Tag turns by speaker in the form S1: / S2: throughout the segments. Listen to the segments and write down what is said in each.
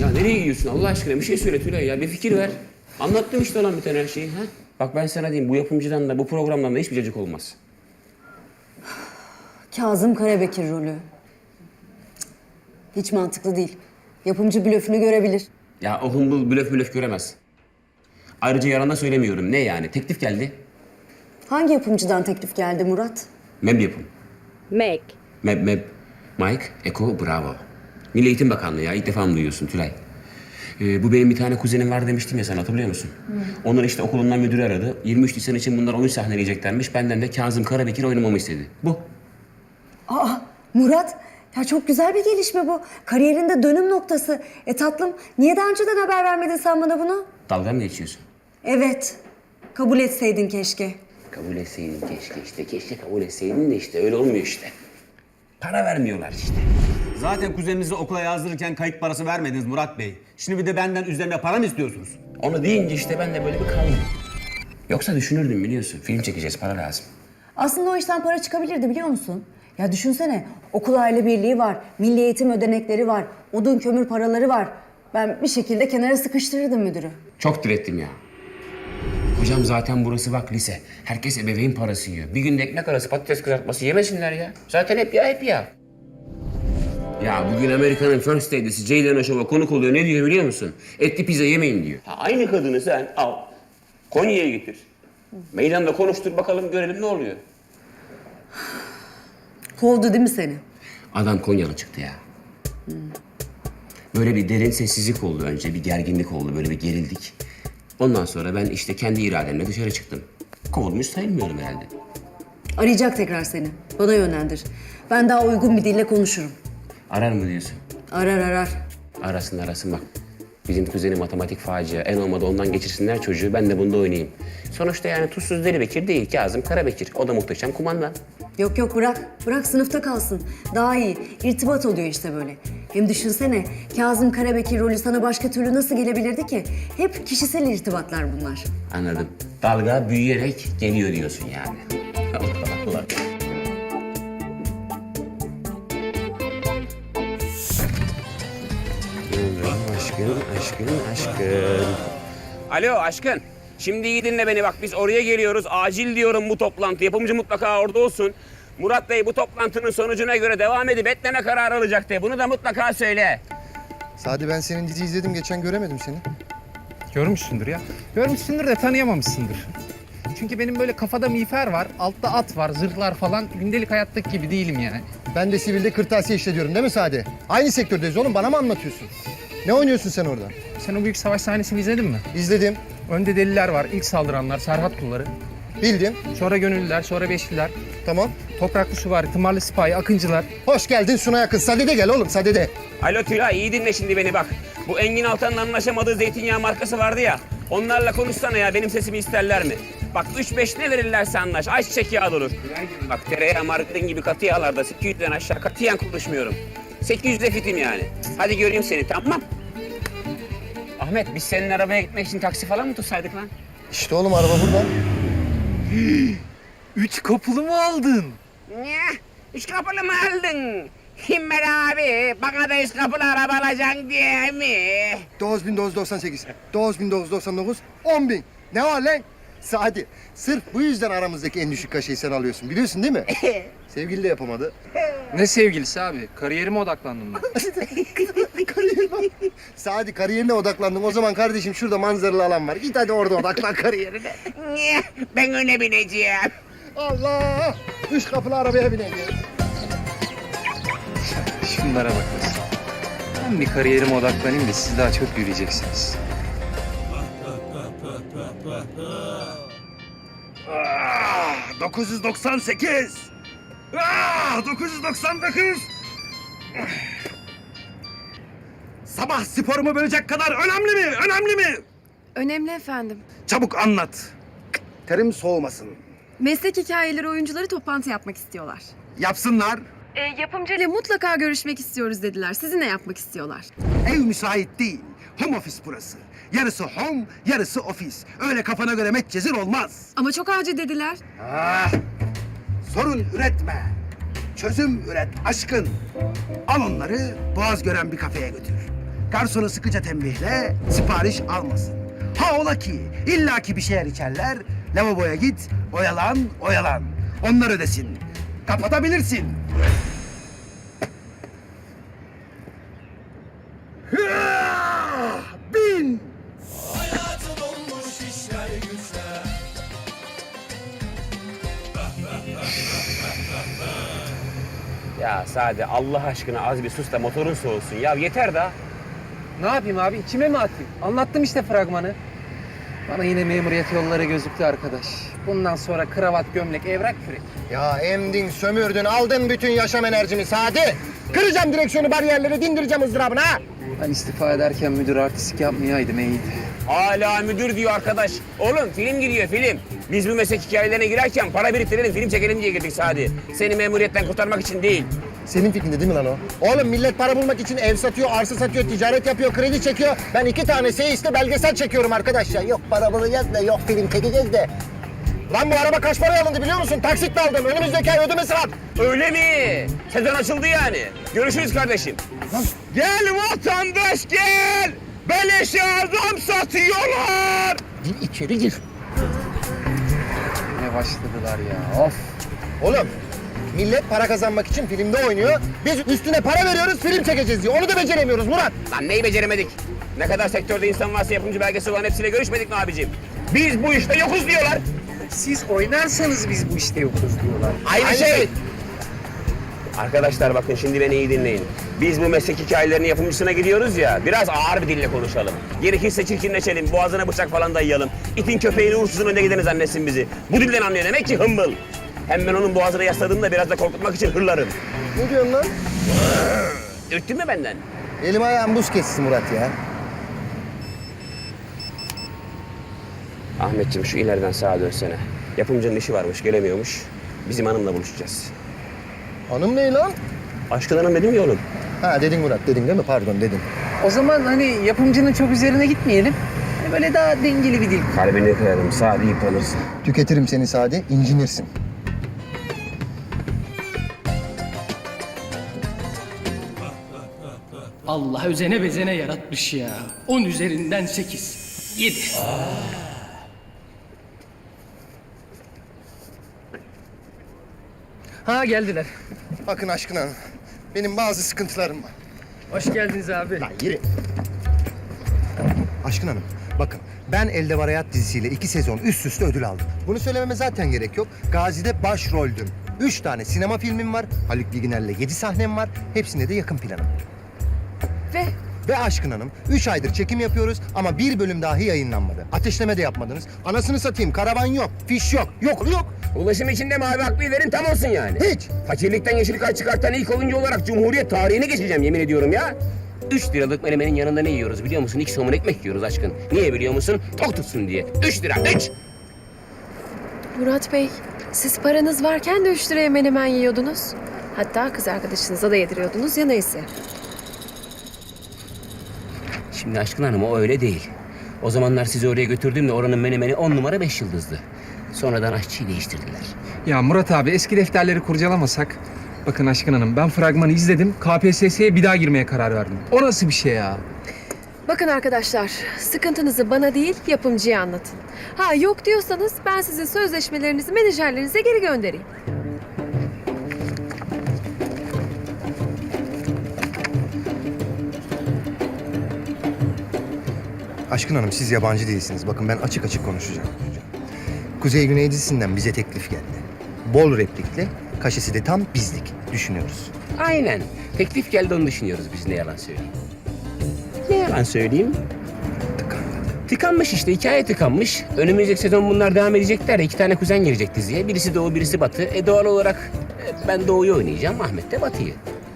S1: Ya nereye gidiyorsun Allah aşkına? Bir şey söyle Tülay ya. Bir fikir ver. Anlattım işte olan biten her şeyi. Ha? Bak ben sana diyeyim bu yapımcıdan da bu programdan da hiçbir cacık olmaz.
S2: Kazım Karabekir rolü. Hiç mantıklı değil. Yapımcı blöfünü görebilir.
S1: Ya o humbul blöf göremez. Ayrıca yarana söylemiyorum. Ne yani? Teklif geldi.
S2: Hangi yapımcıdan teklif geldi Murat?
S1: MEB yapım.
S2: Meg.
S1: MEB. Mike, Eko, Bravo. Milli Eğitim Bakanlığı ya. İlk defa mı duyuyorsun Tülay? Bu benim bir tane kuzenim var demiştim ya sana hatırlıyor musun? Onlar işte okulundan müdürü aradı. 23 Nisan için bunlar oyun sahneleyeceklermiş. Benden de Kazım Karabekir oynamamı istedi. Bu.
S2: Aa Murat, ya çok güzel bir gelişme bu. Kariyerinde dönüm noktası. Tatlım, niye daha önceden haber vermedin sen bana bunu?
S1: Dalga mı geçiyorsun?
S2: Evet, kabul etseydin keşke.
S1: Kabul etseydin keşke işte. Keşke kabul etseydin de işte öyle olmuyor işte. Para vermiyorlar işte.
S3: Zaten kuzeninizi okula yazdırırken kayıt parası vermediniz Murat Bey. Şimdi bir de benden üzerine para mı istiyorsunuz?
S1: Onu deyince işte ben de böyle bir kaldım. Yoksa düşünürdüm biliyorsun. Film çekeceğiz, para lazım.
S2: Aslında o işten para çıkabilirdi biliyor musun? Ya düşünsene, okul aile birliği var, milli eğitim ödenekleri var, odun kömür paraları var. Ben bir şekilde kenara sıkıştırırdım müdürü.
S1: Çok direttim ya. Hocam zaten burası bak lise. Herkes ebeveyn parası yiyor. Bir günde ekmek arası patates kızartması yemesinler ya. Zaten hep ya hep ya. Ya bugün Amerika'nın First Lady'si Ceylan Aşov'a konuk oluyor. Ne diyor biliyor musun? Etli pizza yemeyin diyor. Ha, aynı kadını sen al. Konya'ya getir. Meydanda konuştur bakalım görelim ne oluyor.
S2: Kovdu değil mi seni?
S1: Adam Konyalı çıktı ya. Böyle bir derin sessizlik oldu önce. Bir gerginlik oldu. Böyle bir gerildik. Ondan sonra ben işte kendi irademle dışarı çıktım. Kovulmuş sayılmıyorum herhalde.
S2: Arayacak tekrar seni. Bana yönlendir. Ben daha uygun bir dille konuşurum.
S1: Arar mı diyorsun?
S2: Arar.
S1: Arasın bak. Bizim kuzeni matematik facia. En olmadı ondan geçirsinler çocuğu. Ben de bunda oynayayım. Sonuçta yani tuzsuz Deli Bekir değil. Kazım Karabekir. O da muhteşem kumandan.
S2: Yok bırak. Bırak sınıfta kalsın. Daha iyi. İrtibat oluyor işte böyle. Hem düşünsene Kazım Karabekir rolü sana başka türlü nasıl gelebilirdi ki? Hep kişisel irtibatlar bunlar.
S1: Anladım. Dalga büyüyerek geliyor diyorsun yani. Allah Allah. Aşkın. Alo aşkın. Şimdi iyi dinle beni bak biz oraya geliyoruz. Acil diyorum bu toplantı. Yapımcı mutlaka orada olsun. Murat Bey bu toplantının sonucuna göre devam edip etmeme kararı alacak de. Bunu da mutlaka söyle.
S4: Sadi ben senin dizi izledim. Geçen göremedim seni.
S5: Görmüşsündür ya. Görmüşsündür de tanıyamamışsındır. Çünkü benim böyle kafada miğfer var, altta at var, zırhlar falan. Gündelik hayattaki gibi değilim yani.
S4: Ben de sivilde kırtasiye işletiyorum değil mi Sadi? Aynı sektördeyiz oğlum. Bana mı anlatıyorsun? Ne oynuyorsun sen orada?
S5: Sen o büyük savaş sahnesini izledin mi?
S4: İzledim.
S5: Önde deliler var, ilk saldıranlar, Serhat kulları.
S4: Bildim.
S5: Sonra gönüllüler, sonra beşliler.
S4: Tamam.
S5: Topraklı süvari, tımarlı sipahi, akıncılar.
S4: Hoş geldin Suna yakın. Sadi de gel oğlum. Sadi de.
S1: Alo Tülay iyi dinle şimdi beni bak. Bu Engin Altan'ın anlaşamadığı zeytinyağı markası vardı ya. Onlarla konuşsana ya benim sesimi isterler mi? Bak 3-5 ne verirlerse anlaş. Ayçiçek yağı da olur. Bak tereyağı margarin gibi katı yağlarda 800'den aşağı katiyen konuşmuyorum. 800'de fitim yani. Hadi göreyim seni tamam. Ahmet biz senin arabaya gitmek için taksi falan mı tutsaydık lan?
S4: İşte oğlum araba burada.
S5: 3 kapılı mı aldın?
S1: Ne? 3 kapılı mı aldın? Himmel abi bana da 3 kapılı araba alacaksın diye mi?
S4: 9998, 9999, 10.000. Ne var lan? Sadi, sırf bu yüzden aramızdaki en düşük kaşeyi sen alıyorsun. Biliyorsun değil mi? Sevgili de yapamadı.
S5: Ne sevgilisi abi? Kariyerime odaklandım ben.
S4: Sadi kariyerine odaklandın. O zaman kardeşim şurada manzaralı alan var. Git hadi orada odaklan kariyerine.
S1: Niye? Ben öne bineceğim.
S4: Allah! 3 kapılı arabaya bineceğiz.
S5: Şunlara bak. Ben bir kariyerime odaklanayım da siz daha çok yürüyeceksiniz.
S3: 998. 999. Sabah sporumu bölecek kadar önemli mi? Önemli mi?
S6: Önemli efendim.
S3: Çabuk anlat. Terim soğumasın.
S6: Meslek hikayeleri oyuncuları toplantı yapmak istiyorlar.
S3: Yapsınlar.
S6: Yapımcıyla mutlaka görüşmek istiyoruz dediler. Sizinle yapmak istiyorlar.
S3: Ev müsait değil. Home office burası. Yarısı home, yarısı ofis. Öyle kafana göre metcezir olmaz.
S6: Ama çok acil dediler.
S3: Sorun üretme. Çözüm üret aşkın. Al onları boğaz gören bir kafeye götür. Garsonu sıkıca tembihle, sipariş almasın. Ha ola ki illaki bir şeyler içerler. Lavaboya git, oyalan, oyalan. Onlar ödesin. Kapatabilirsin. Hıah! Bin!
S1: Ya Sade Allah aşkına az bir sus da motorun soğusun. Ya yeter da.
S5: Ne yapayım abi? İçime mi atayım? Anlattım işte fragmanı. Bana yine memuriyet yolları gözüktü arkadaş. Bundan sonra kravat, gömlek, evrak, kürek.
S4: Ya emdin, sömürdün, aldın bütün yaşam enerjimi Sadi. Kıracağım direksiyonu, bariyerleri, dindireceğim ızdırabını ha.
S5: Ben istifa ederken müdür artistik yapmayaydım iyiydi.
S1: Hala müdür diyor arkadaş. Oğlum film gidiyor film. Biz bu meslek hikayelerine girerken para biriktirelim, film çekelim diye girdik Sadi. Seni memuriyetten kurtarmak için değil.
S4: Senin fikrinde değil mi lan o? Oğlum millet para bulmak için ev satıyor, arsa satıyor, ticaret yapıyor, kredi çekiyor. Ben 2 tane seyiste belgesel çekiyorum arkadaş ya. Yok para bulacağız da, yok film çekeceğiz de. Lan bu araba kaç paraya alındı biliyor musun? Taksitle aldım. Önümüzdeki ay ödemesi var.
S1: Öyle mi? Sezon açıldı yani. Görüşürüz kardeşim. Gel vatandaş gel. Beleşe adam satıyorlar.
S4: Gir içeri gir.
S5: Ne başladılar ya of.
S4: Oğlum millet para kazanmak için filmde oynuyor. Biz üstüne para veriyoruz, film çekeceğiz diye. Onu da beceremiyoruz Murat.
S1: Lan neyi beceremedik? Ne kadar sektörde insan varsa yapımcı belgesi olan hepsiyle görüşmedik mi abicim? Biz bu işte yokuz diyorlar.
S5: Siz oynarsanız biz bu işte yokuz diyorlar.
S1: Aynı şey. Arkadaşlar bakın şimdi beni iyi dinleyin. Biz bu meslek hikayelerinin yapımcısına gidiyoruz ya, biraz ağır bir dille konuşalım. Gerekirse çirkinleşelim, boğazına bıçak falan dayayalım. İtin köpeğini uğursuzun önüne gideni zannetsin bizi. Bu dilden anlıyor demek ki hımbıl. Hem ben onun boğazına yasladığımda biraz da korkutmak için hırlarım.
S4: Ne diyorsun lan?
S1: Ürktün mü benden?
S4: Elim ayağım buz kessin Murat ya.
S1: Ahmetciğim şu ileriden sağa dönsene. Yapımcının işi varmış, gelemiyormuş. Bizim hanımla buluşacağız.
S4: Hanım ne lan?
S1: Aşkın hanım dedim ya oğlum.
S4: Ha dedin Murat, dedin değil mi? Pardon dedin.
S5: O zaman hani yapımcının çok üzerine gitmeyelim. Hani böyle daha dengeli bir dil.
S1: Kalbini kırarım, sağ deyip alırsın.
S4: Tüketirim seni Sadi, incinirsin.
S7: Allah özene bezene yaratmış ya. 10 üzerinden 8. 7. Ha geldiler.
S4: Bakın Aşkın Hanım, benim bazı sıkıntılarım var.
S7: Hoş geldiniz abi.
S4: Lan yürü. Aşkın Hanım, bakın ben Elde Var Hayat dizisiyle 2 sezon üst üste ödül aldım. Bunu söylememe zaten gerek yok. Gazi'de başroldüm. 3 tane sinema filmim var. Haluk Bilginer'le 7 sahnem var. Hepsinde de yakın planım. Ve Aşkın Hanım, 3 aydır çekim yapıyoruz ama bir bölüm dahi yayınlanmadı. Ateşleme de yapmadınız. Anasını satayım, karavan yok, fiş yok, yok.
S1: Ulaşım içinde mavi akbil verin tam olsun yani.
S4: Hiç.
S1: Fakirlikten yeşil kart çıkartan ilk oyuncu olarak Cumhuriyet tarihine geçeceğim yemin ediyorum ya. 3 liralık menemenin yanında ne yiyoruz biliyor musun? 2 somun ekmek yiyoruz aşkın. Niye biliyor musun? Tok tutsun diye. 3 lira, 3!
S6: Murat Bey, siz paranız varken de 3 liraya menemen yiyordunuz. Hatta kız arkadaşınıza da yediriyordunuz ya neyse.
S1: Şimdi aşkın hanım o öyle değil. O zamanlar sizi oraya götürdüğümde oranın menemeni 10 numara 5 yıldızdı. Sonradan aşçıyı değiştirdiler.
S5: Ya Murat abi eski defterleri kurcalamasak. Bakın Aşkın Hanım ben fragmanı izledim. KPSS'ye bir daha girmeye karar verdim. O nasıl bir şey ya?
S6: Bakın arkadaşlar, sıkıntınızı bana değil yapımcıya anlatın. Ha yok diyorsanız ben sizin sözleşmelerinizi menajerlerinize geri göndereyim.
S4: Aşkın Hanım, siz yabancı değilsiniz. Bakın ben açık açık konuşacağım. Kuzey Güney dizisinden bize teklif geldi. Bol replikli, kaşesi de tam bizlik. Düşünüyoruz.
S1: Aynen. Teklif geldi onu düşünüyoruz biz ne yalan söyleyeyim. Ne yalan söyleyeyim? Tıkanmış işte hikaye tıkanmış. Önümüzdeki sezon bunlar devam edecekler ya 2 tane kuzen girecek diziye. Birisi Doğu birisi Batı. Doğal olarak ben Doğu'yu oynayacağım Ahmet de Batı'yı.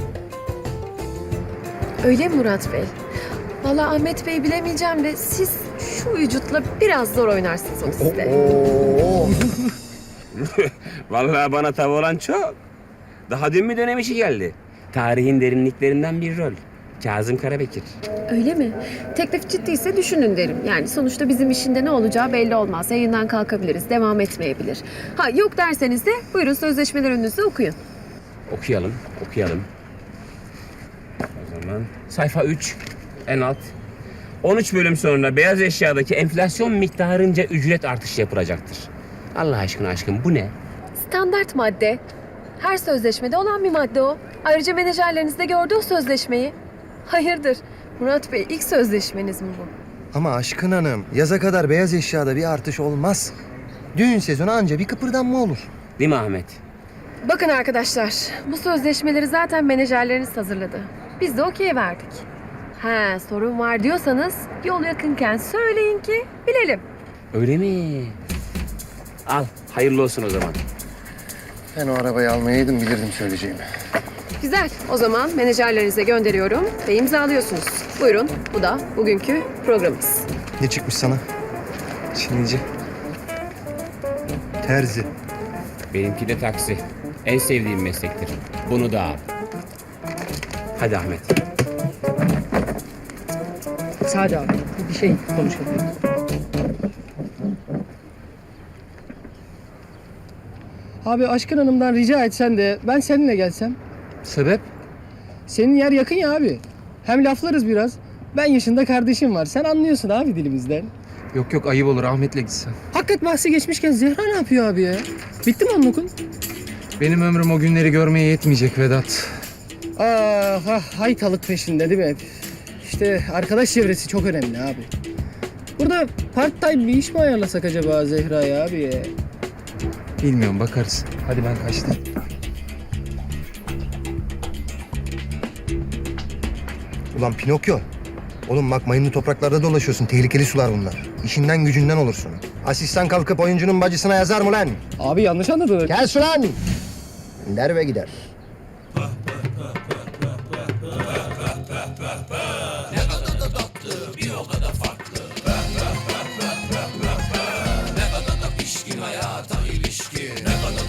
S6: Öyle mi Murat Bey? Vallahi Ahmet Bey bilemeyeceğim de siz şu vücutla biraz zor oynarsınız o dizide.
S4: Oo.
S1: Vallahi bana tav olan çok. Daha dün mü dönem işi geldi? Tarihin derinliklerinden bir rol. Kazım Karabekir.
S6: Öyle mi? Teklif ciddiyse düşünün derim. Yani sonuçta bizim işinde ne olacağı belli olmaz. Yayından kalkabiliriz, devam etmeyebilir. Ha yok derseniz de buyurun sözleşmeler önünüzde okuyun.
S1: Okuyalım. O zaman sayfa 3. En alt. 13 bölüm sonra beyaz eşyadaki enflasyon miktarınca ücret artışı yapılacaktır. Allah aşkına aşkım bu ne?
S6: Standart madde. Her sözleşmede olan bir madde o. Ayrıca menajerleriniz de gördü o sözleşmeyi. Hayırdır? Murat Bey ilk sözleşmeniz mi bu?
S4: Ama Aşkın Hanım, yaza kadar beyaz eşyada bir artış olmaz. Düğün sezonu anca bir kıpırdanma olur.
S1: Değil mi Ahmet?
S6: Bakın arkadaşlar, bu sözleşmeleri zaten menajerleriniz hazırladı. Biz de okey verdik. He, sorun var diyorsanız yol yakınken söyleyin ki bilelim.
S1: Öyle mi? Al, hayırlı olsun o zaman.
S4: Ben o arabayı almayaydım, bilirdim söyleyeceğimi.
S6: Güzel. O zaman menajerlerinize gönderiyorum ve imzalıyorsunuz. Buyurun. Bu da bugünkü programımız.
S4: Ne çıkmış sana?
S5: Çinici.
S4: Terzi.
S1: Benimki de taksi. En sevdiğim meslektir. Bunu da al. Hadi Ahmet.
S7: Sade abi bir şey konuşalım. Abi Aşkın Hanım'dan rica etsen de ben seninle gelsem.
S5: Sebep?
S7: Senin yer yakın ya abi. Hem laflarız biraz. Ben yaşında kardeşim var. Sen anlıyorsun abi dilimizden.
S5: Yok yok ayıp olur Ahmet'le gitsen.
S7: Hakikat bahsi geçmişken Zehra ne yapıyor abi ya? Bitti mi onun okul?
S5: Benim ömrüm o günleri görmeye yetmeyecek Vedat.
S7: Ah ah haytalık peşinde değil mi? İşte arkadaş çevresi çok önemli abi. Burada part time bir iş mi ayarlasak acaba Zehra'ya abi ya?
S5: Bilmiyorum bakarız. Hadi ben kaçtım.
S4: Ulan Pinokyo. Oğlum bak mayınlı topraklarda dolaşıyorsun. Tehlikeli sular bunlar. İşinden gücünden olursun. Asistan kalkıp oyuncunun bacısına yazar mı lan?
S7: Abi yanlış anladın.
S4: Gel sulan. Der ve gider.